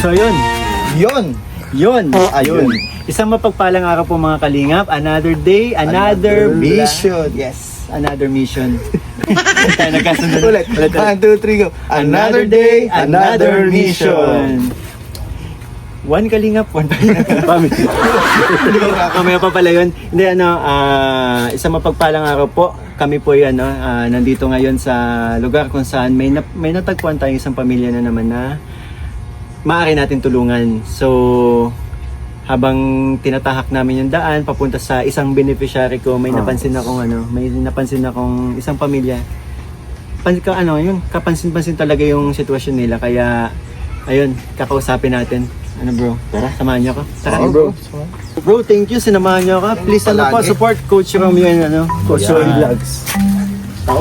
So yun. Yun. Ayun. Isang mapagpalang araw po mga kalingap. Another day, another mission. Yes. Another mission. Tayo nagkasunod. Ulit. 1, 2, 3, go. Another day, another mission. One kalingap, one family. Mamaya pa pala yun. Hindi, isang mapagpalang araw po. Kami po yan, nandito ngayon sa lugar kung saan may natagpuan tayong isang pamilya na naman na maaari natin tulungan. So, habang tinatahak namin yung daan papunta sa isang beneficiary ko, may napansin akong isang pamilya. Kapansin-pansin talaga yung sitwasyon nila, kaya ayun, kakausapin natin. Ano bro? Tara, samahan niyo ako. Tara, bro. Bro, thank you, sinamahan niyo ako. Please support Coach Romeo and Coach Roy Vlogs. Ako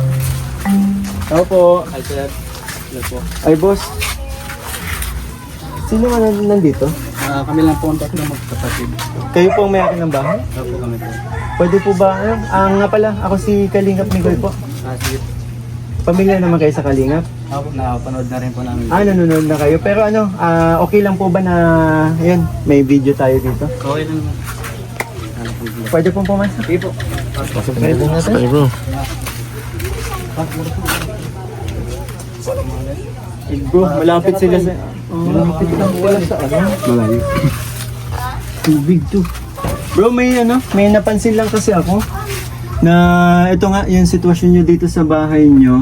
po. Hi sir. Hello po. Ay boss. Sino man nandito? Kami lang po ang tatlo magkapatid. Kayo po ang may-ari ng bahay? Opo kami po. Pwede po ba? Nga pala, ako si Kalingap Miguel po. Sige. Pamilya naman kayo sa Kalingap? Ako, nakapanood na rin po namin. Nanonood na kayo. Pero okay lang po ba na, ayun, may video tayo dito? Okay lang naman. Pwede pong pumasok? Sige po. Pwede po natin? Pwede bro. Bro, malapit sila sa... malapit lang pala sa malayo. Tubig to. Bro, may napansin lang kasi ako na ito nga yung sitwasyon nyo dito sa bahay nyo.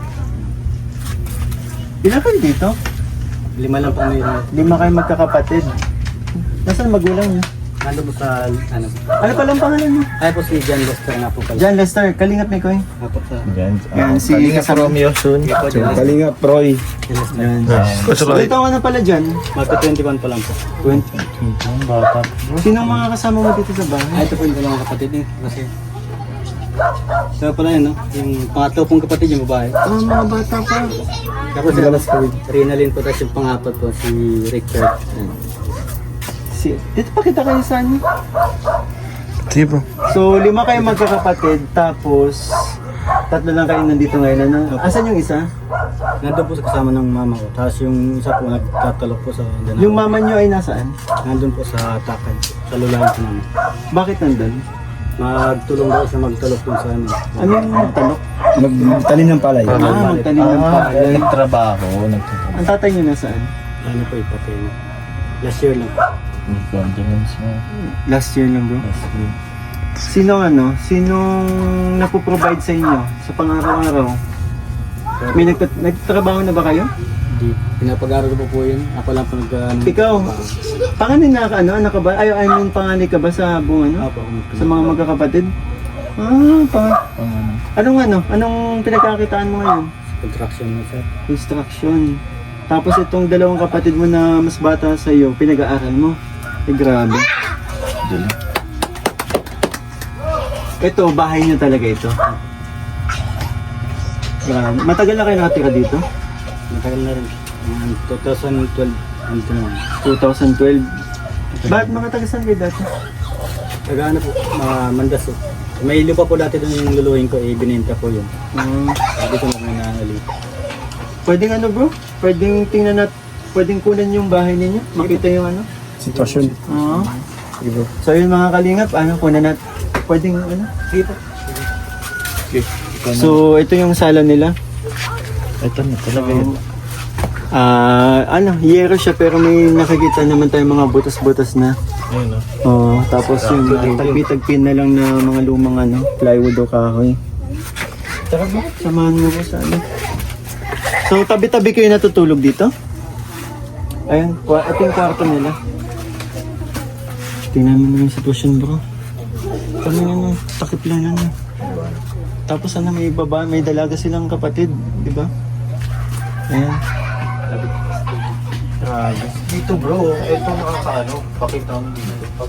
Ilan kayo dito? 5 lang po ngayon. 5 kayo magkakapatid. Nasaan magulang nyo? Nandun po sa, Ano palang pangalan nyo? Ay po si John Lester nga po pala. John Lester, Kalingap ni Koy. Ako sa Yan, si Kalingap Romeo soon. Kalingap Roy. John Lester. Yan. Ilang taon ka na pala dyan? Magka-21 pa lang po. 20. Bata. Sino ang mga kasama mo dito sa bahay? Ito po yung dalawang kapatid niya. Kasi kaya pala yun, no? Yung pangatlo pong kapatid yung babae. Mga bata pa. Tapos Rinalyn po, tapos yung pangapat po si Richard. Dito pa kita kayo sa ano? Sige bro. So, 5 kayo magkakapatid, tapos 3 lang kayo nandito ngayon. Asan yung isa? Nandun po sa kasama ng mama ko. Tapos yung isa po nagtatalok po sa dalawa. Yung mama nyo ay nasaan? Nandun po sa Takay. Sa lulayan po namin. Bakit nandun? Magtulong daw siya magtalok dun sa ano. Ano yung magtanok? Magtanim ng palay. Magtanim ng palay. Nagtrabaho. Ang tatay nyo nasaan? Ano po ipatay. Last year lang. Last year lang bro. Sinong napoprovide sa inyo sa pang-araw-araw? May nagtatrabaho na ba kayo? Hindi. Pinapag-aral ko po yun. Ako lang po Ikaw, panganay na anak ka ba? I mean, panganay ka ba sa buong Apo, sa mga magkakapatid? Anong pinagkakitaan mo ngayon? Construction na sir. Construction. Tapos itong 2 kapatid mo na mas bata sa iyo, pinag-aaral mo. Grabe. Ito, bahay niyo talaga ito. Grabe. Matagal na kayo nakatira dito? Matagal na rin. 2012. Nandito naman. 2012. Bakit mga taga-saan kayo dati? Taga-ano po, Mandas po. May lupa po dati doon yung luluhin ko, binenta po yun. Hindi ko naman nangalit. Pwedeng bro? Pwedeng tingnan pwedeng kunan yung bahay ninyo? Makita yung Sitwasyon. Oo. So yun mga kalingap, kunan natin. Pwedeng Sige po. So ito yung sala nila. Ito na talaga yun. Yero siya pero may nakikita naman tayong mga butas-butas na. Ayun Tapos yung tagpi-tagpin na lang na mga lumang plywood o kahoy. Tara ba? Samahan mo ko sa So tabi-tabi kayo natutulog dito? Ayun, ito yung kwarto nila. Tingnan mo yung sitwasyon bro. Kami takip lang Tapos may baba, may dalaga silang kapatid, di ba? Ayan. Grabe. Dito bro, ito pakita mo dito. Pag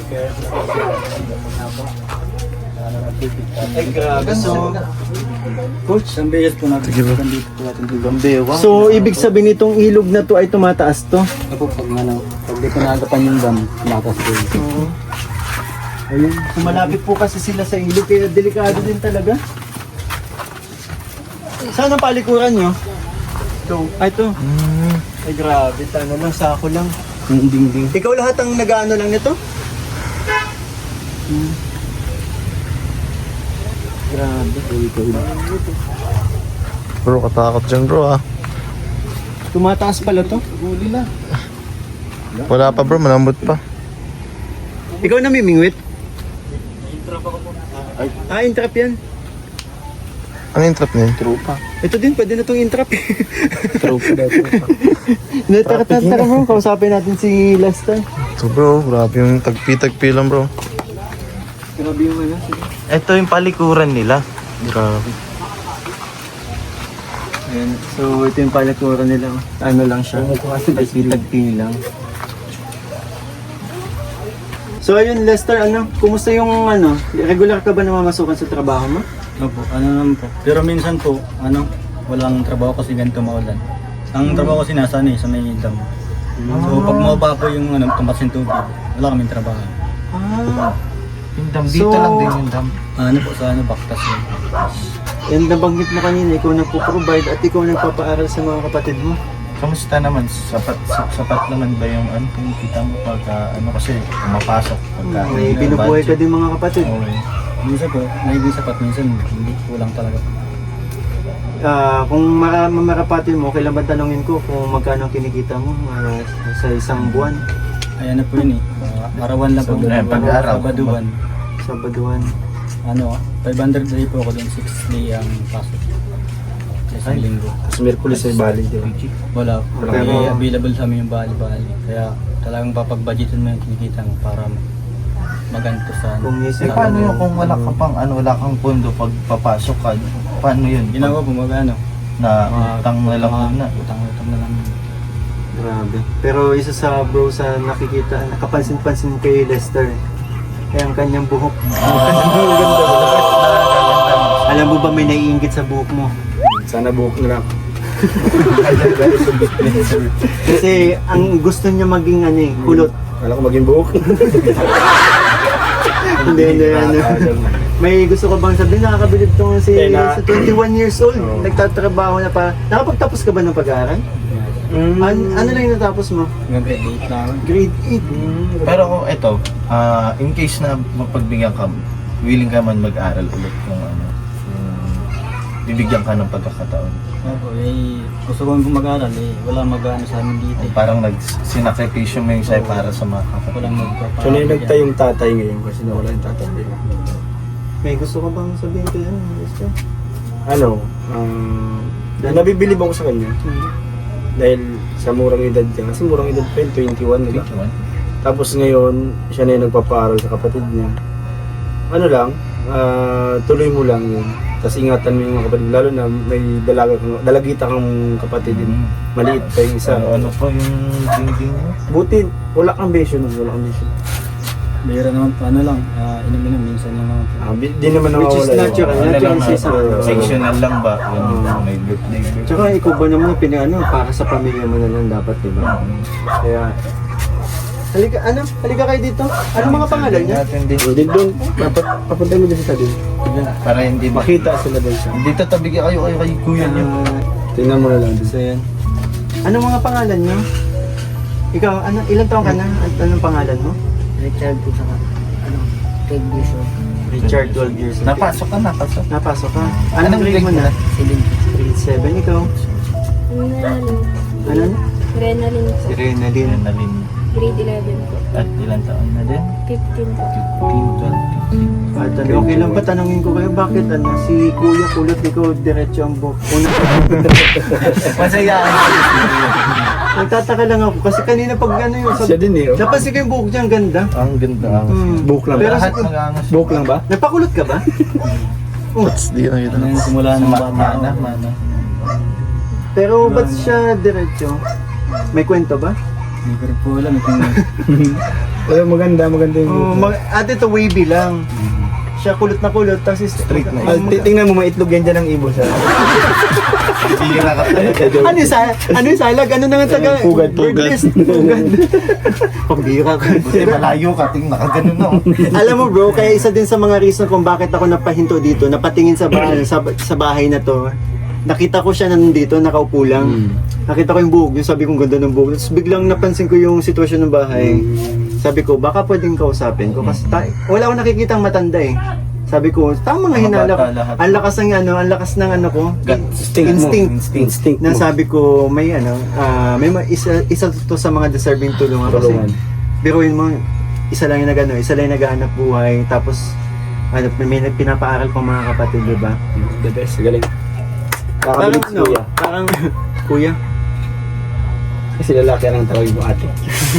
Ay grabe. So, Coach, isang beses po natin. Sige po. Dito po natin dito. so ibig sabihin itong ilog na to ay tumataas to? Ako pag di ko naagapan yung dam, tumakas po yun. Oo. Ayun, malapit po kasi sila sa ilog kaya delikado din talaga. Saan ang palikuran nyo? Ito. Ito. Ay grabe, ano lang, sako lang. Yung dingding. Ikaw lahat ang nag-ano lang nito? Grabe. Bro, katakot dyan bro ah. Tumataas pala to. Huli na. Wala pa bro, malambot pa. Ikaw namimingwit? Intrap yan. Ano yung trap niya? Trupa. Ito din, pwede na itong intrap. Trupa daw, trupa. Tara mo, kausapin natin si Lester. Ito bro, grabe yung tagpi-tagpi lang bro. Grabe yung ano. Ito yung palikuran nila. Grabe. Ayan. So, ito yung palikuran nila. Ano lang siya. Tagpi lang. So, ayun Lester, ano? Kumusta yung ano? Regular ka ba namamasukan sa trabaho mo? Opo, ano naman po. Pero minsan po, walang trabaho kasi ganito maulan. Ang trabaho kasi nasa sa may dam. So pag mababa po yung tumpas yung tubig, wala kaming trabaho. Yung dam, dito lang din yung dam. Sa Baktas yun. And nabanggit mo kanina, ikaw nagpo-provide at ikaw nagpapaaral sa mga kapatid mo. Kamusta naman? Sapat naman ba yung kung kita mo pagka kasi mapasok pagka May binubuhay ka din mga kapatid. Okay. Minsan po, nagiging sapat, minsan hindi kulang talaga. Kung mamarapatin mo, kailan ba tanongin ko kung magkano ang kinikita mo sa isang buwan? Ayan na po yun arawan lang po. Pag-araw. Sabaduan. Sabaduan. 500 day po ako doon, 6 day ang pasok. Sa isang linggo. Tapos Merkulis ay bali din. Wala. Pero- Pero available sa amin yung bali-bali. Kaya talagang papag-budgetin mo yung kinikita mo para maganto sa Kung isip Eh paano yun kung wala ka pang wala kang pondo pag papasok ka? Paano yun? Ginagawa po Na utang na lang na. Utang na lang. Grabe. Pero isa sa bro sa nakikita, nakapansin-pansin kay Lester. Kaya ang kanyang buhok. Alam mo ba may naiinggit sa buhok mo? Sana buhok na lang. Kasi ang gusto niya maging kulot. Wala ko maging buhok. Hindi. May gusto ko bang sabihin, nakakabilib tong sa 21 years old, nagtatrabaho na pa. Nakapagtapos ka ba ng pag-aaral? Ano lang yung natapos mo? Grade 8 na ako. Grade 8. Pero kung ito, in case na mapagbigyan ka, willing ka man mag-aral ulit kung bibigyan ka ng pagkakataon. Gusto ko mag-aaral wala mag-ano sa amin dito. Parang sinakripisyo mo yung sa'yo para sa mga kapatid. Walang magpapalagay. So nainagta yung tatay ngayon kasi nawala yung tatay. May gusto ka bang sabihin ko yan? Lester? Nabibilib ako sa kanya dahil sa murang edad niya. Kasi murang edad pa yun, 21 diba? Tapos ngayon, siya na yung nagpapaaral sa kapatid niya. Tuloy mo lang yun. Tapos ingatan mo yung mga kapatid, lalo na may dalagita kang kapatid din. Maliit pa yung isa. Ano pa yung dingding mo? Buti, wala kang besyo nun, wala kang besyo. Bihira naman po, inom-inom minsan lang naman po. Di naman Which is nawawala. natural. Ano lang season. sectional lang ba? May birthday. Tsaka ikaw ba naman para sa pamilya mo na lang dapat, di ba? Kaya, halika kayo dito. Ano mga pangalan niya? Natin din. Hindi doon, papunta mo dito sa din. Para hindi Makita sila doon siya. Hindi tatabigi kayo kay kuya niyo. Tingnan mo na lang doon. So yan. Ano mga pangalan niyo? Ikaw, ilang taon ka na? Anong pangalan mo? Richard po sa Craig Bishop. Richard, 12 years old. Napasok ka. Napasok ka. Anong grade mo na? 7. Grade 7, ikaw? Ano? Renalyn po. Si Renalyn. Nalin. Grade 11 po. At ilang taon na din? 15 po. 15, 12. At okay lang ba tanongin ko kayo, bakit si Kuya kulot, ikaw diretso ang buhok? Masaya. Nagtataka lang ako kasi kanina pag yung Siya din eh. napansin ko yung buhok niya, ang ganda. Ang ganda. Buhok lang Pero ba? Lahat mag-angas. Buhok lang ba? Nagpakulot ka ba? Di na kita. Simula ng bata. Mana. Pero ba't siya diretso? May kwento ba? Hindi ko rin po alam kung Pero maganda yung buhok. Ate to wavy lang. Siya kulot na kulot, tapos straight na. Tingnan mo, maitlog yan dyan ng ibon sa... Bibigyan na ka tayo. Ano yung salag? Ano na nga taga? Pugad. Pugad. Pambira ka. Buti malayo ka, ting nakaganon na. Alam mo bro, kaya isa din sa mga reason kung bakit ako napahinto dito, napatingin sa bahay na to. nakita ko siya nandito, nakaupo lang. Nakita ko yung buhok niya, sabi ko ganda ng buhok. Tapos biglang napansin ko yung sitwasyon ng bahay. Sabi ko, baka pwedeng kausapin ko kasi wala akong nakikitang matanda eh. Sabi ko, tama nga hinala ko. bata lahat. Ang lakas ng ano ko. Instinct. Na mo. sabi ko, may isa to sa mga deserving tulungan. Kasi Tulungan. biruin mo, isa lang yung naghahanap buhay. Tapos, may pinapaaral pa mga kapatid, di ba? The best, galing. Parang Kakabilib si Kuya. parang, kuya. Kasi lalaki ang tawagin mo ate.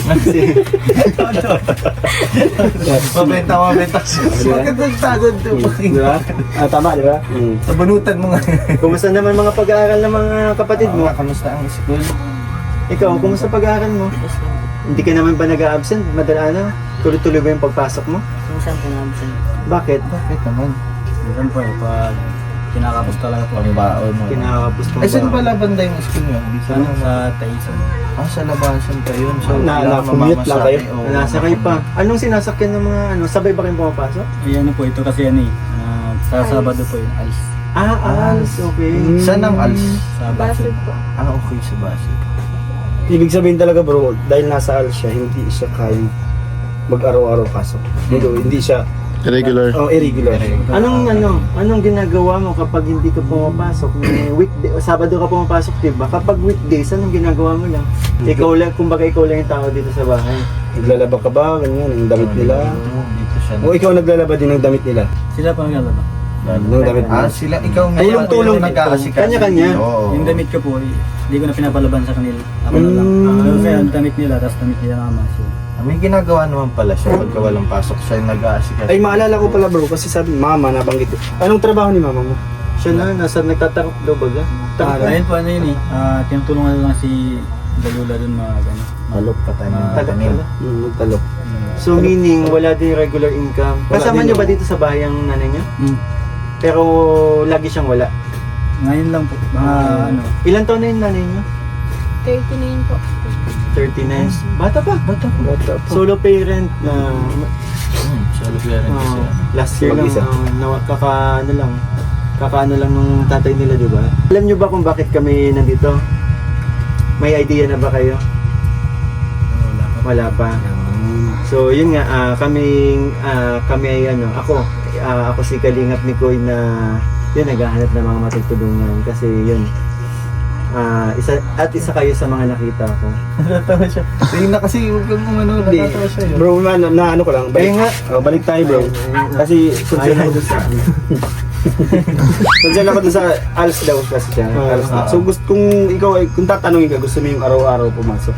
Mabenta. Magandang tagod to. Di ba? Tama, di ba? Sabunutan mo nga. Kumusta naman mga pag-aaral ng mga kapatid mo? Kamusta ang school? Ikaw, kumusta pag-aaral mo? Hindi ka naman ba nag-a-absent? Tuloy-tuloy ba yung pagpasok mo? Minsan po namin. Bakit? Bakit naman? Minsan po pag kinakapos talaga po. Pangbaon mo. Kinakapos mo Ay, saan pala banda yung school nyo? Sana sa Taisan. Sa labasan pa yun. So, commute lang kayo? Nasakay pa. Anong sinasakyan ng mga sabay ba kayong pumapasok? Ay ano po, ito kasi sa Sabado po yung alis. Als, okay. Saan ang ALS? Sa Basod Basel. po. Okay, sa Basel. Ibig sabihin talaga bro, dahil nasa ALS siya, hindi siya kayang mag-araw-araw pasok. Hindi siya Irregular. irregular. Anong ginagawa mo kapag hindi ka pumapasok? May weekday, Sabado ka pumapasok, 'di ba? Kapag weekdays, anong ginagawa mo lang? Ikaw lang, kumbaga ikaw lang yung tao dito sa bahay. Naglalaba ka ba? Ganyan, ang damit nila. Dito siya. O ikaw naglalaba din ng damit nila? Sila pa naglalaba. Ng damit nila? Sila, ikaw nga. Tulong-tulong dito. nag-aasikaso. Kanya-kanya. Oo. Yung damit ko po, hindi ko na pinapalaban sa kanila. Ako na lang. Kasi ang damit nila, tapos damit nila naman. So, May ginagawa naman pala siya pagka walang pasok. Siya yung nag-aasikaso. Ay, maalala ko pala bro, kasi sabi, mama, nabanggit ko. Anong trabaho ni mama mo? Siya nagtatakot daw baga. ayun po, ano yun tinutulungan lang si Dalula dun mga gano'n. Malok pa tayo ng Tagal tanim. pala. Nagtalok. So meaning, wala din regular income. Kasama din, niyo ba no? dito sa bahay ang nanay niya? Mm. Pero lagi siyang wala. Ngayon lang po, mga Ilan taon na yung nanay niya? 39 po. 39. Bata pa. Bata pa. Solo parent na Solo parent kasi. last year lang Mag-isa. kakaano lang nung tatay nila, di ba? Alam niyo ba kung bakit kami nandito? May idea na ba kayo? Wala pa. So yun nga, kami ay ako si Kalingap ni Koy na yun, naghahanap ng mga matutulungan kasi yun, isa kayo sa mga nakita ko. Natatawa siya. Tingin na kasi huwag kang Hindi. natatawa siya yun. Bro, na ano ko lang. Ayun nga. Balik tayo bro. Kasi concern ako doon sa... concern ako doon sa ALS daw kasi siya. ALS na. So kung ikaw ay, kung tatanungin ka, gusto mo yung araw-araw pumasok.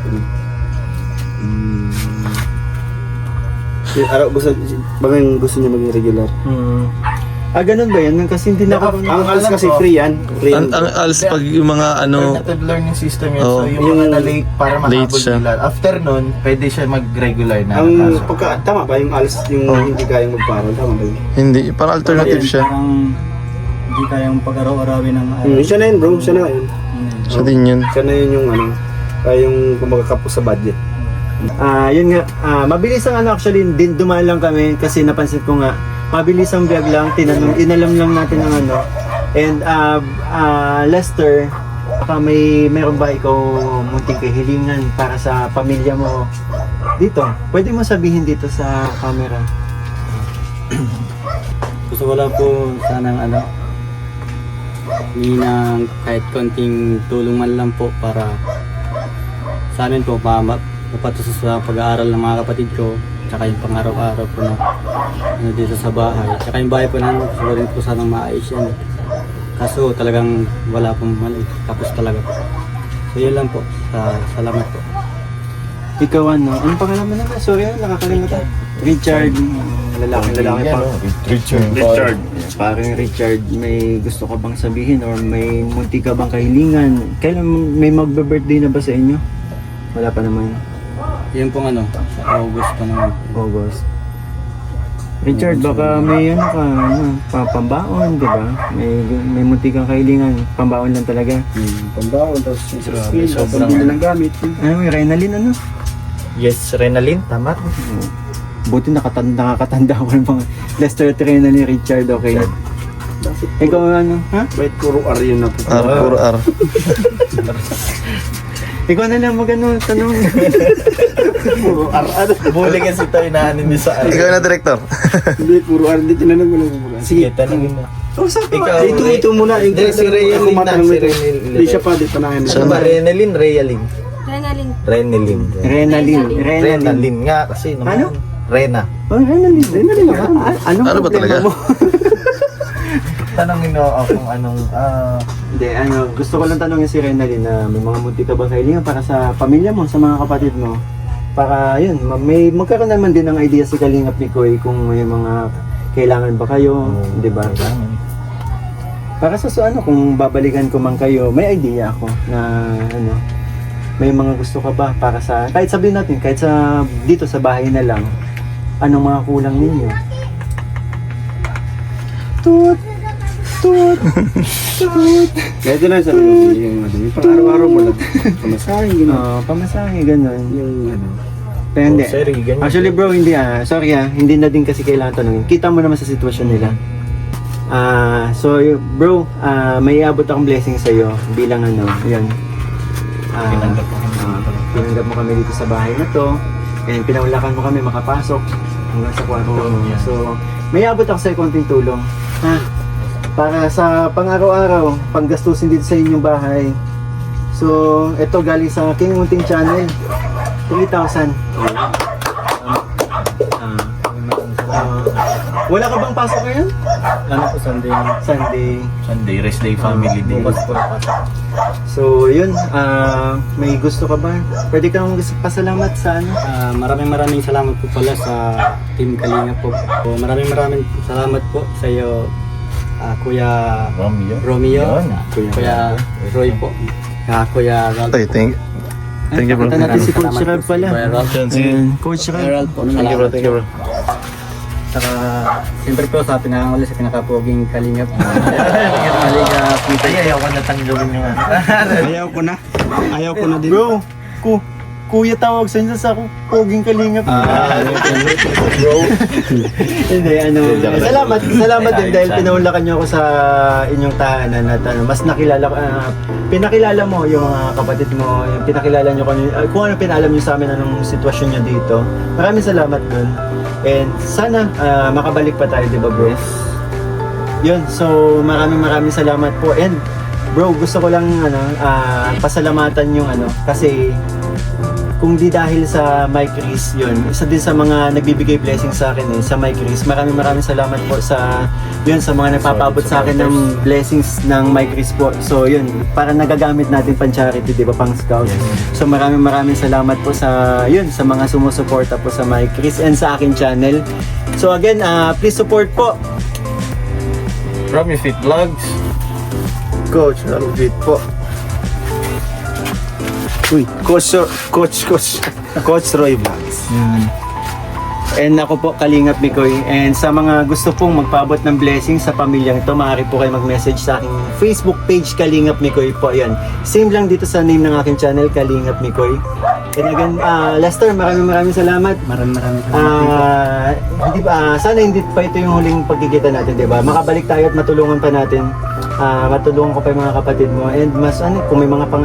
Araw, gusto niya maging regular. Ganun ba yun? Kasi hindi na ako... Ang ALS kasi free yan. Free yan. Ang ALS pag yung mga Alternative learning system yun. Oo. So yung mga na-late para Late mahabol siya. nila. After nun, pwede siya mag-regular na. Ang nakasok. pagka, tama ba yung ALS, yung hindi kayang magparal, tama ba yun? Hindi, parang alternative siya. Parang hindi kayang pag-araw-arawin ng Siya na yun bro, siya na yun. Siya din yun. Siya na yun yung yung kumagakapos sa budget. Yun nga, mabilis ang actually, din dumaan lang kami kasi napansin ko nga, mabilis ang vlog lang, inalam lang natin ang and Lester, baka meron ba ikaw munting kahilingan para sa pamilya mo dito? Pwede mo sabihin dito sa camera. Gusto ko lang po sanang hindi ng kahit konting tulong man lang po para sa amin po mapatusos sa pag-aaral ng mga kapatid ko, tsaka yung pang-araw-araw po na dito sa bahay. Tsaka yung bahay po namin, gusto ko rin po sanang maayos yan. Kaso talagang wala pong mali, tapos talaga po. So yun lang po, salamat po. Ikaw anong pangalan mo naman? Sorry, nakakalimutan. Richard. Lalaki pa. Richard. Parang Richard, may gusto ka bang sabihin or may munti ka bang kahilingan? Kailan may magbe-birthday na ba sa inyo? Wala pa naman. Yun pong sa August pa naman. August. Richard, baka may pambaon, di ba? May munti kang kahilingan, pambaon lang talaga. Pambaon, tapos Grabe, sobrang- pambili ng gamit. May Renalyn Yes, Renalyn, tama. Buti nakakatanda ko ng mga Lester at Renalyn, Richard, okay. Ikaw ano? Ha? Bakit puro R yun na po? Puro R. Ikaw na lang magano tanong. Puro R. Ano? Buli kasi tayo na ano niyo sa Ikaw na, director. Hindi, puro R. Hindi, tinanong ko lang puro R. Sige, tanongin mo. Ikaw, Ito muna. Hindi, si Realin na. Si Realin. Hindi siya pa, di tanahin mo. Ano ba? Renalyn, Realin? Renalyn. Renalyn. Renalyn nga kasi naman. Ano? Rena. Oh, Renalyn ako. Ano ba talaga? mo? Tanongin mo ako kung anong Hindi, gusto ko lang tanongin si Renalyn na may mga munti ka bang kailangan para sa pamilya mo, sa mga kapatid mo. Para yun, may magkaroon naman din ng idea si Kalingap ni Koy kung may mga kailangan ba kayo, di ba? Para sa kung babalikan ko man kayo, may idea ako na may mga gusto ka ba para sa, kahit sabihin natin, kahit sa dito sa bahay na lang, anong mga kulang ninyo? Tut! Tut! Tut! Ito na sabi ko, yung pang-araw-araw mo lang. Pamasahin, gano'n. Pamasahe, ganun. Yung Pero hindi. Sorry, ganyan. Actually bro, hindi sorry hindi na din kasi kailangan tanongin. Kita mo naman sa sitwasyon nila. So bro, may iabot akong blessing sa iyo bilang yun. Pinanggap mo kami dito sa bahay na to. And pinaulakan mo kami makapasok hanggang sa kwarto mo. So, may iabot ako sa konting tulong. Para sa pang-araw-araw, panggastusin dito sa inyong bahay. So, ito galing sa King Munting Channel. 3,000. Wala ka bang pasok ngayon? Ano po, Sunday. Sunday, rest day, family day. Bukas po pasok. So, yun. May gusto ka ba? Pwede kang pasalamat sa Maraming salamat po pala sa Team Kalinga po. Maraming salamat po sa iyo, Kuya Romeo, Yun. Kuya Roy po, Kuya Ralph. Ay, thank you, bro. Punta natin si Coach Salamat Ralph po, pala. Kuya Ralph. Coach Kuya Ralph. Ralph po. Thank you, bro. Thank you, bro. Saka, siyempre po sa pinakanguli sa pinakapoging Kalingap. Kalingap. Ayaw ko na tanggawin yung Ayaw ko na din. Bro, kuya tawag sa inyo sa poging Kalingap. bro. Hindi, salamat din dahil pinaulakan niyo ako sa inyong tahanan at mas pinakilala mo yung mga kapatid mo, yung pinakilala niyo kung ano pinaalam niyo sa amin anong sitwasyon niyo dito. Maraming salamat dun. And sana makabalik pa tayo, di ba bro? Yun, so maraming salamat po. And bro, gusto ko lang pasalamatan yung kasi kung di dahil sa Mike Chris, yun, isa din sa mga nagbibigay blessing sa akin sa Mike Chris. Maraming salamat po sa mga nagpapaabot sa akin ng blessings ng Mike Chris po. So yun, para nagagamit natin pang charity, di ba, pang scout. So maraming salamat po sa mga sumusuporta po sa Mike Chris and sa akin channel. So again, please support po. Romy Fit Vlogs. Coach, Alvin po. Uy, Coach Roy Vlogs. And ako po, Kalingap Mikoy. And sa mga gusto pong magpaabot ng blessing sa pamilyang ito, maaari po kayo mag-message sa aking Facebook page, Kalingap Mikoy po. Yan. Same lang dito sa name ng aking channel, Kalingap Mikoy. And again, Lester, maraming salamat. Maraming salamat. Sana hindi pa ito yung huling pagkikita natin, di ba? Makabalik tayo at matulungan pa natin. Matulungan ko pa yung mga kapatid mo. And mas kung may mga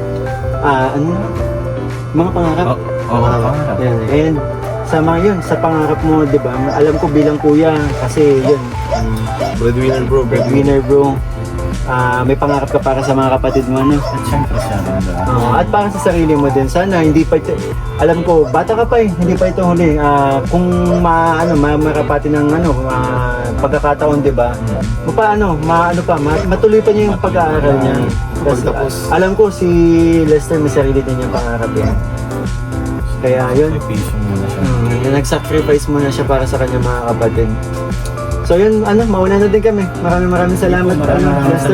mga pangarap. Pangarap. Yan. And sa pangarap mo, di ba? Alam ko bilang kuya, kasi yun, Breadwinner, bro. breadwinner bro. May pangarap ka para sa mga kapatid mo, At syempre siya rin at para sa sarili mo din. Sana hindi pa ito, alam ko, bata ka pa hindi pa ito huli. Kung marapati ng pagkakataon, di ba? Matuloy pa niya yung pag-aaral niya. Tapos, alam ko si Lester may sarili din yung pangarap yan. Kaya yun, Sacrifice muna siya. nag-sacrifice muna siya para sa kanyang mga kapatid. So yun, mauna na din kami. Maraming salamat. Lester.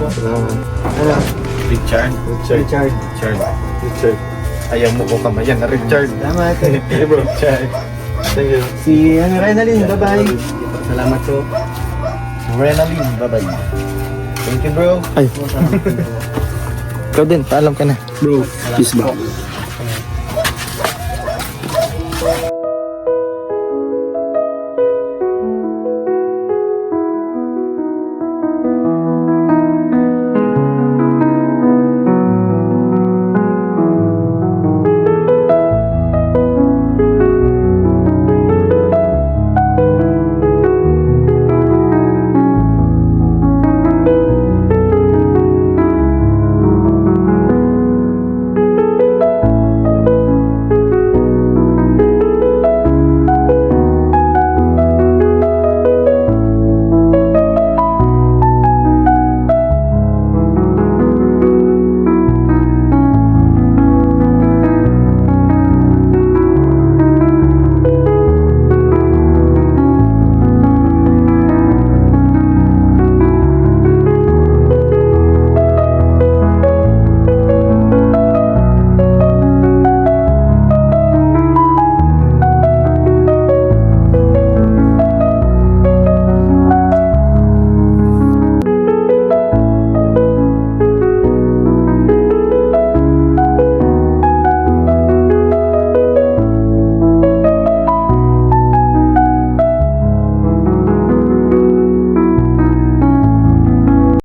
Richard. Richard. Ayaw mo ko kamayan na Richard. Salamat. Hey bro. Richard. Thank you. Si Renalyn, bye-bye. Salamat po. Renalyn, bye-bye. Thank you bro. Ikaw din, paalam ka na. Bro, peace ba?